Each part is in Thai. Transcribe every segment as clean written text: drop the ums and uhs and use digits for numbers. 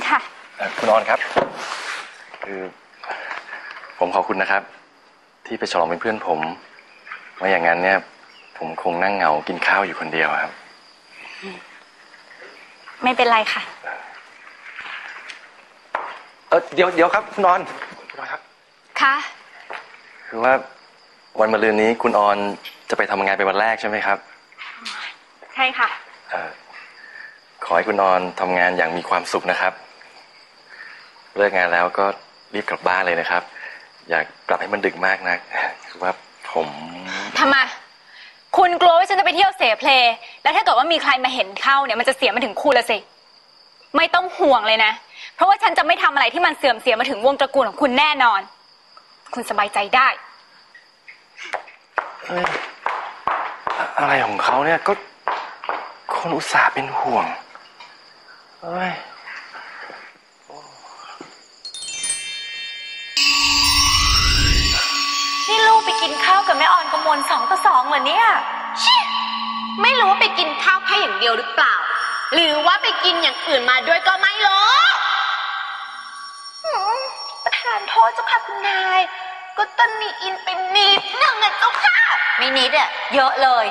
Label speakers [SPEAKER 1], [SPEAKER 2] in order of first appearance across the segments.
[SPEAKER 1] ค่ะ
[SPEAKER 2] คุณออนครับคือผมขอบคุณนะครับที่ไปฉลองเป็นเพื่อนผมไม่อย่างนั้นเนี่ยผมคงนั่งเหงากินข้าวอยู่คนเดียวครับ
[SPEAKER 1] ไม่เป็นไรค่ะ
[SPEAKER 2] เดี๋ยวครับคุณออนครับ
[SPEAKER 1] ค่ะ
[SPEAKER 2] คือว่าวันมะรืนนี้คุณออนจะไปทำงานเป็นวันแรกใช่ไหมครับ
[SPEAKER 1] ใช่ค่ะ
[SPEAKER 2] ขอให้คุณออนทำงานอย่างมีความสุขนะครับเลิกงานแล้วก็รีบกลับบ้านเลยนะครับอย่ากลับให้มันดึกมากนักคือว่าผม
[SPEAKER 1] ทำไมคุณกลัวว่าฉันจะไปเที่ยวเสเพลแล้วถ้าเกิดว่ามีใครมาเห็นเข้าเนี่ยมันจะเสียมาถึงคุณละสิไม่ต้องห่วงเลยนะเพราะว่าฉันจะไม่ทำอะไรที่มันเสื่อมเสียมาถึงวงตระกูลของคุณแน่นอนคุณสบายใจได้
[SPEAKER 2] อะไรของเขาเนี่ยก็คนอุตส่าห์เป็นห่วง
[SPEAKER 3] นี่ลูกไปกินข้าวกับแม่ออนกมล2-2เหรอเนี่ย
[SPEAKER 4] ไม่รู้ว่าไปกินข้าวแค่อย่างเดียวหรือเปล่าหรือว่าไปกินอย่างอื่นมาด้วยก็ไม่รู้
[SPEAKER 3] ประธานโทษเจ้าค่ะคุณนายก็ต้นมีอินเป็นนิดหนึ่งอะเจ้าค่ะ
[SPEAKER 4] ไม่นิดอะเยอะเลย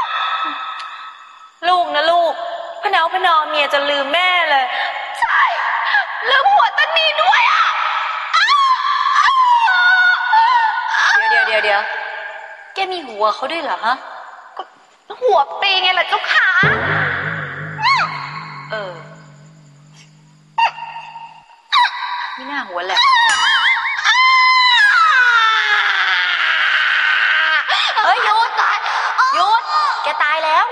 [SPEAKER 3] ลูกนะลูกพะเนาเมียจะลืมแม่เลยใช่ลืมหัวต้นมีด้วยอะ
[SPEAKER 4] เดี๋ยวแกมีหัวเขาด้วยเหรอฮะ
[SPEAKER 3] หัวปีไงล่ะเจ้าค่ะ
[SPEAKER 4] ไม่น่าหัวแหลมหยุดแกตายแล้ว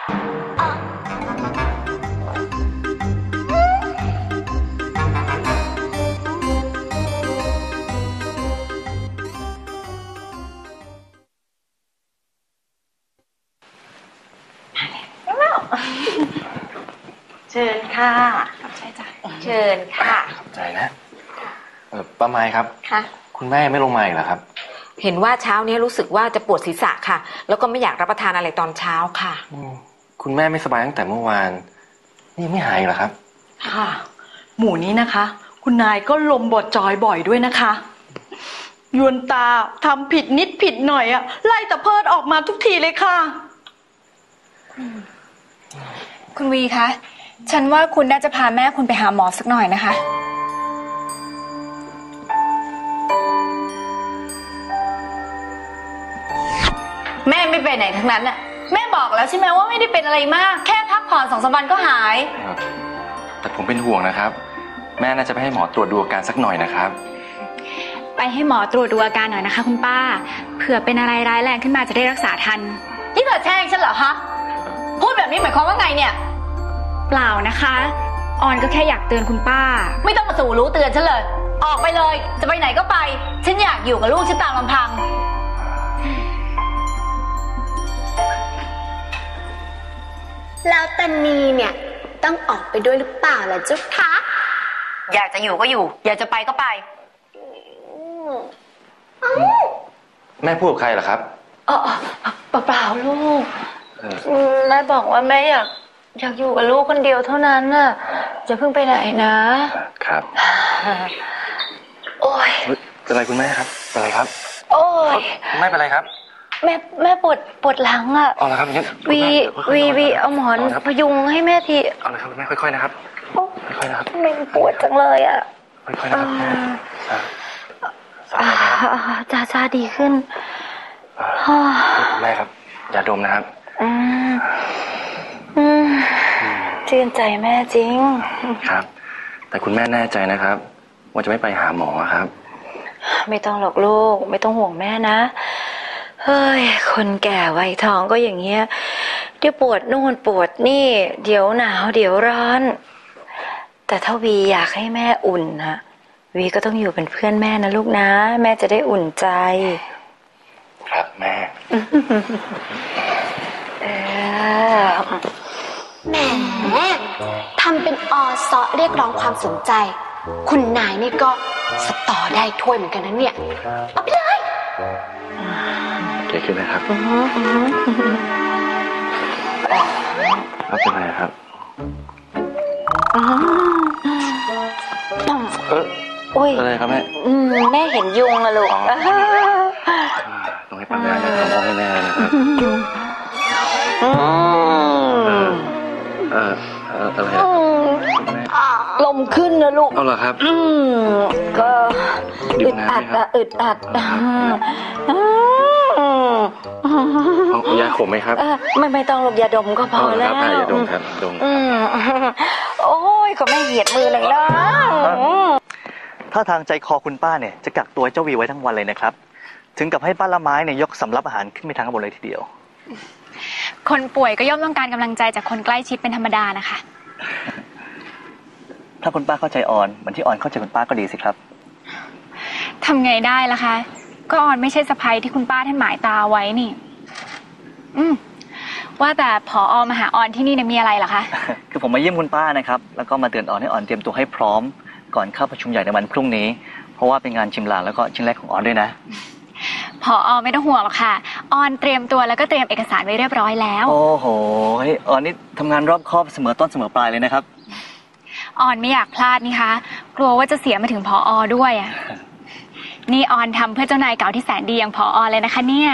[SPEAKER 3] เชิญค่ะ
[SPEAKER 1] ใช่จ้ะ
[SPEAKER 3] เชิญค่ะ
[SPEAKER 2] ขอบใจนะป้าไม้ครับ
[SPEAKER 1] ค่ะ
[SPEAKER 2] คุณแม่ไม่ลงมาอีกเหรอครับ
[SPEAKER 5] เห็นว่าเช้านี้รู้สึกว่าจะปวดศีรษะค่ะแล้วก็ไม่อยากรับประทานอะไรตอนเช้าค่ะ
[SPEAKER 2] คุณแม่ไม่สบายตั้งแต่เมื่อวานนี่ไม่หายเหรอครับ
[SPEAKER 3] ค่ะหมู่นี้นะคะคุณนายก็ลมบดจอยบ่อยด้วยนะคะยวนตาทำผิดนิดผิดหน่อยอะไล่ตะเพิดออกมาทุกทีเลยค่ะ
[SPEAKER 1] คุณวีคะฉันว่าคุณน่าจะพาแม่คุณไปหาหมอสักหน่อยนะคะ
[SPEAKER 4] แม่ไม่ไปไหนทั้งนั้นน่ะแม่บอกแล้วใช่ไหมว่าไม่ได้เป็นอะไรมากแค่พักผ่อน2-3 วันก็หาย
[SPEAKER 2] แต่ผมเป็นห่วงนะครับแม่น่าจะไปให้หมอตรวจดูอาการสักหน่อยนะครับ
[SPEAKER 1] ไปให้หมอตรวจดูอาการหน่อยนะคะคุณป้าเผื่อเป็นอะไรร้ายแรงขึ้นมาจะได้รักษาทัน
[SPEAKER 4] นี่เธอแช่งฉันเหรอคะพูดแบบนี้หมายความว่าไงเนี่ย
[SPEAKER 1] เปล่านะคะออนก็แค่อยากเตือนคุณป้า
[SPEAKER 4] ไม่ต้องมาสู่รู้เตือนฉันเลยออกไปเลยจะไปไหนก็ไปฉันอยากอยู่กับลูกฉันตามลำพัง
[SPEAKER 6] แล้วตานีเนี่ยต้องออกไปด้วยหรือเปล่าล่ะเจ้าคะ
[SPEAKER 4] อยากจะอยู่ก็อยู่อยากจะไปก็ไป
[SPEAKER 2] แม่พูดกับใครเหรอครับ
[SPEAKER 3] เปล่าลูกแม่บอกว่าแม่อยากอยู่กับลูกคนเดียวเท่านั้นน่ะจะเพิ่งไปไหนนะครับโอ้ย
[SPEAKER 2] เป็นไรคุณแม่ครับเป็นไรครับ
[SPEAKER 3] โอ้ย
[SPEAKER 2] ไม่เป็นไรครับ
[SPEAKER 3] แม่ปวดหลังอ่ะ
[SPEAKER 2] เอาละครับงั้น
[SPEAKER 3] วีเอาหมอนพยุงให้แม่ที
[SPEAKER 2] เอาละครับแม่ค่อยๆนะครับค่อยๆนะครับ
[SPEAKER 3] แม่ปวดจังเลยอ่ะ
[SPEAKER 2] ค่อยๆนะครับ
[SPEAKER 3] จ้าดีขึ้น
[SPEAKER 2] คุณแม่ครับอย่าดมนะครับ
[SPEAKER 3] ชื่นใจแม่จริง
[SPEAKER 2] ครับแต่คุณแม่แน่ใจนะครับว่าจะไม่ไปหาหมอครับ
[SPEAKER 3] ไม่ต้องหรอกลูกไม่ต้องห่วงแม่นะเฮ้ยคนแก่วัยทองก็อย่างเงี้ยเดี๋ยวปวดนู่นปวดนี่เดี๋ยวหนาวเดี๋ยวร้อนแต่ถ้าวีอยากให้แม่อุ่นนะวีก็ต้องอยู่เป็นเพื่อนแม่นะลูกนะแม่จะได้อุ่นใจ
[SPEAKER 2] ครับแม่
[SPEAKER 6] แหมทำเป็นอซอเรียกร้องความสนใจคุณนายนี่ก็สตอได้ถ้วยเหมือนกันนะเนี่ยเอาไปเลย
[SPEAKER 2] โอเคขึ้นไหมครับครับเป็นไงครับ
[SPEAKER 3] อ้ย
[SPEAKER 2] อะไรครับแม่
[SPEAKER 3] แม่เห็นยุงอะลูก
[SPEAKER 2] ต้องให้ปัญญาเนี่ยทำห้องให้แม่เลยนะครับอะไรอะแม่
[SPEAKER 3] ลมขึ้นนะลูก
[SPEAKER 2] เอาเหรอครับ
[SPEAKER 3] ก็
[SPEAKER 2] ดื่
[SPEAKER 3] อึ
[SPEAKER 2] ม
[SPEAKER 3] ด
[SPEAKER 2] น้ำ
[SPEAKER 3] อัด
[SPEAKER 2] ไหมครับ
[SPEAKER 3] อะอึดอัด
[SPEAKER 2] เอายาขมไหมครับ
[SPEAKER 3] ไม่ต้องหรอกยาดมก็พอ
[SPEAKER 2] เอาเหรอ
[SPEAKER 3] แล้
[SPEAKER 2] คว รับยาดมครับดม
[SPEAKER 3] โอ้ยก็ไม่เหยียดมือเลยนะ
[SPEAKER 7] ถ้าทางใจคอคุณป้าเนี่ยจะกักตัวเจ้าวีไว้ทั้งวันเลยนะครับ ถึงกับให้ป้าละไม้เนี่ยยกสำรับอาหารขึ้นไปทางข้างบนเลยทีเดียว
[SPEAKER 1] คนป่วยก็ย่อมต้องการกำลังใจจากคนใกล้ชิดเป็นธรรมดานะคะ
[SPEAKER 7] ถ้าคุณป้าเข้าใจออนเหมือนที่ออนเข้าใจคุณป้าก็ดีสิครับ
[SPEAKER 1] ทำไงได้ล่ะคะ ก็ออนไม่ใช่สะใภ้ที่คุณป้าท่านหมายตาไว้นี่ ว่าแต่ผอ.มาหาออนที่นี่เนี่ยมีอะไรเหรอคะ
[SPEAKER 7] คือผมมาเยี่ยมคุณป้านะครับแล้วก็มาเตือนออนให้ออนเตรียมตัวให้พร้อมก่อนเข้าประชุมใหญ่ในวันพรุ่งนี้เพราะว่าเป็นงานชิมลางแล้วก็ชิ้นแรกของออนด้วยนะ
[SPEAKER 1] ผอ.ไม่ต้องห่วงหรอกค่ะ ออนเตรียมตัวแล้วก็เตรียมเอกสารไว้เรียบร้อยแล้ว
[SPEAKER 7] โอ้โหออนนี่ทำงานรอบคอบเสมอต้นเสมอปลายเลยนะครับ
[SPEAKER 1] ออนไม่อยากพลาดนี่คะ กลัวว่าจะเสียมาถึงผอ.ด้วยอ่ะ นี่ออนทำเพื่อเจ้านายเก่าที่แสนดีอย่างผอ.เลยนะคะเนี่ย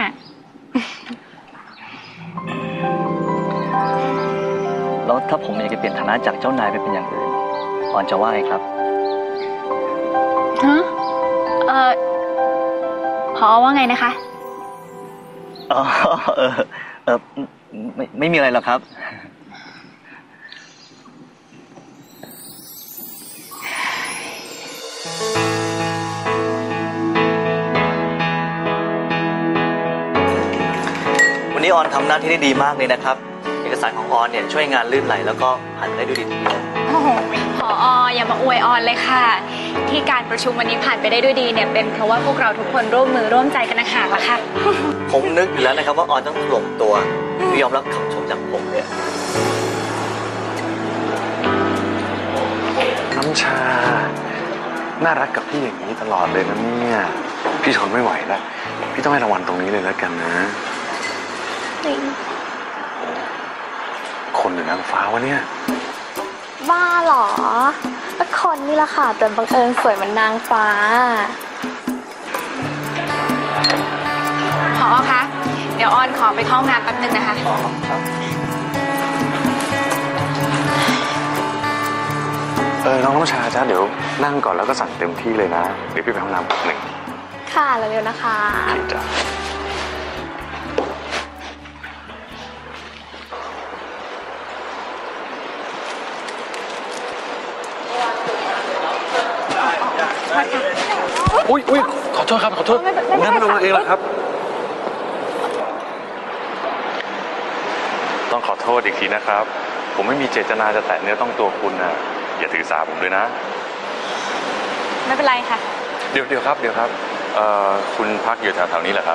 [SPEAKER 7] แล้วถ้าผมอยากจะเปลี่ยนฐานะจากเจ้านายไปเป็นอย่างอื่นออนจะว่าไงครับ
[SPEAKER 1] ฮะผอ.ว่าไงนะคะ
[SPEAKER 7] อ๋อไม่มีอะไรหรอกครับ วันนี้ออนทำหน้าที่ได้ดีมากเลยนะครับ เอกสารของออนเนี่ยช่วยงานลื่นไหลแล้วก็ผ่านไปได้ด้วยดีทีเดียว
[SPEAKER 1] โอ้โหผอ.อย่ามาอวยออนเลยค่ะ ที่การประชุมวันนี้ผ่านไปได้ด้วยดีเนี่ยเป็นเพราะว่าพวกเราทุกคนร่วมมือร่วมใจกันนะค่ะละค่ะ
[SPEAKER 7] ผมนึกอยู่แล้วนะครับว่าออนต้องถล่มตัวยอมรับคำชมจากผมเนี่ย
[SPEAKER 8] น้ำชา น่ารักกับพี่อย่างนี้ตลอดเลยนะเนี่ย พี่ทนไม่ไหวแล้ว พี่ต้องให้รางวัลตรงนี้เลยแล้วกันนะ คนหรือนางฟ้าวะเนี่ย
[SPEAKER 6] บ้าเหรอก็คนนี่แหละค่ะแต่บังเอิญสวยเหมือนนางฟ้า
[SPEAKER 1] ผอ.คะ เดี๋ยวออนขอไปเข้าห้องน้ำแป๊บนึงนะคะ
[SPEAKER 8] น้องน้ำชาจ้าเดี๋ยวนั่งก่อนแล้วก็สั่งเต็มที่เลยนะ เดี๋ยวพี่ไปห้องน้ำแป๊บหนึ่ง
[SPEAKER 6] ค่ะเร็วๆนะคะ
[SPEAKER 8] โอเคจ้ะ อุ้ยขอโทษครับ ขอโทษผมนั่งไม่ลงเองแล้วครับ ต้องขอโทษอีกทีนะครับ ผมไม่มีเจตนาจะแตะเนื้อต้องตัวคุณนะอย่าถือสาผมด้วยนะ
[SPEAKER 1] ไม่เป็นไรค่ะ
[SPEAKER 8] เดี๋ยวครับคุณพักอยู่แถวๆนี้เหรอครับ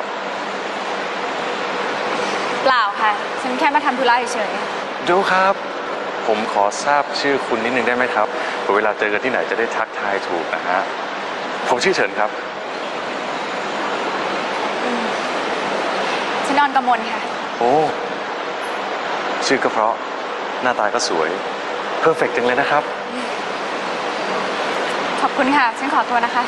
[SPEAKER 1] เปล่าค่ะ ฉันแค่มาทำธุระเฉย
[SPEAKER 8] เดี๋ยวครับ ผมขอทราบชื่อคุณนิดนึงได้ไหมครับเผื่อเวลาเจอกันที่ไหนจะได้ทักทายถูกนะฮะ ผมชื่อเฉินครับ
[SPEAKER 1] ๆฉันนอนกำมลค่ะ
[SPEAKER 8] โอ้ ชื่อก็เพราะ หน้าตาก็สวย เพอร์เฟกต์จังเลยนะครับ
[SPEAKER 1] ขอบคุณค่ะ ฉันขอตัวนะคะ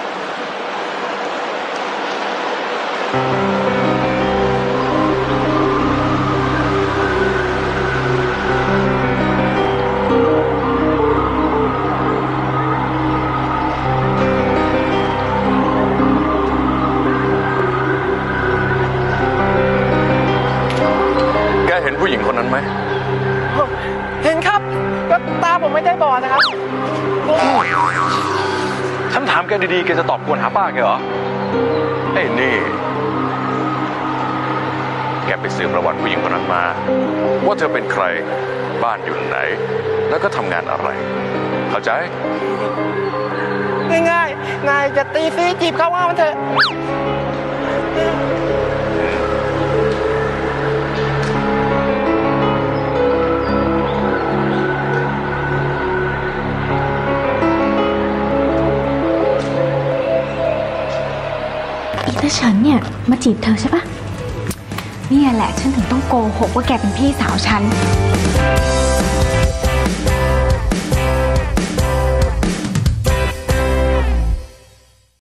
[SPEAKER 8] แกเห็นผู้หญิงคนนั้นไหม
[SPEAKER 9] เห็นครับก็ตาผมไม่ได้บอดนะครับ
[SPEAKER 8] ฉันถามแกดีๆ แกจะตอบกวนหาป้าแกเหรอไอ้นี่ แกไปสืบประวัติผู้หญิงคนนั้นมา ว่าเธอเป็นใคร บ้านอยู่ไหน แล้วก็ทำงานอะไร เข้าใจ
[SPEAKER 9] ง่ายๆ นายจะตีซีจีบเขาว่ามันเถอะ
[SPEAKER 10] อีตาเฉินเนี่ยมาจีบเธอใช่ปะเนี่ยแหละฉันถึงต้องโกหกว่าแกเป็นพี่สาวฉัน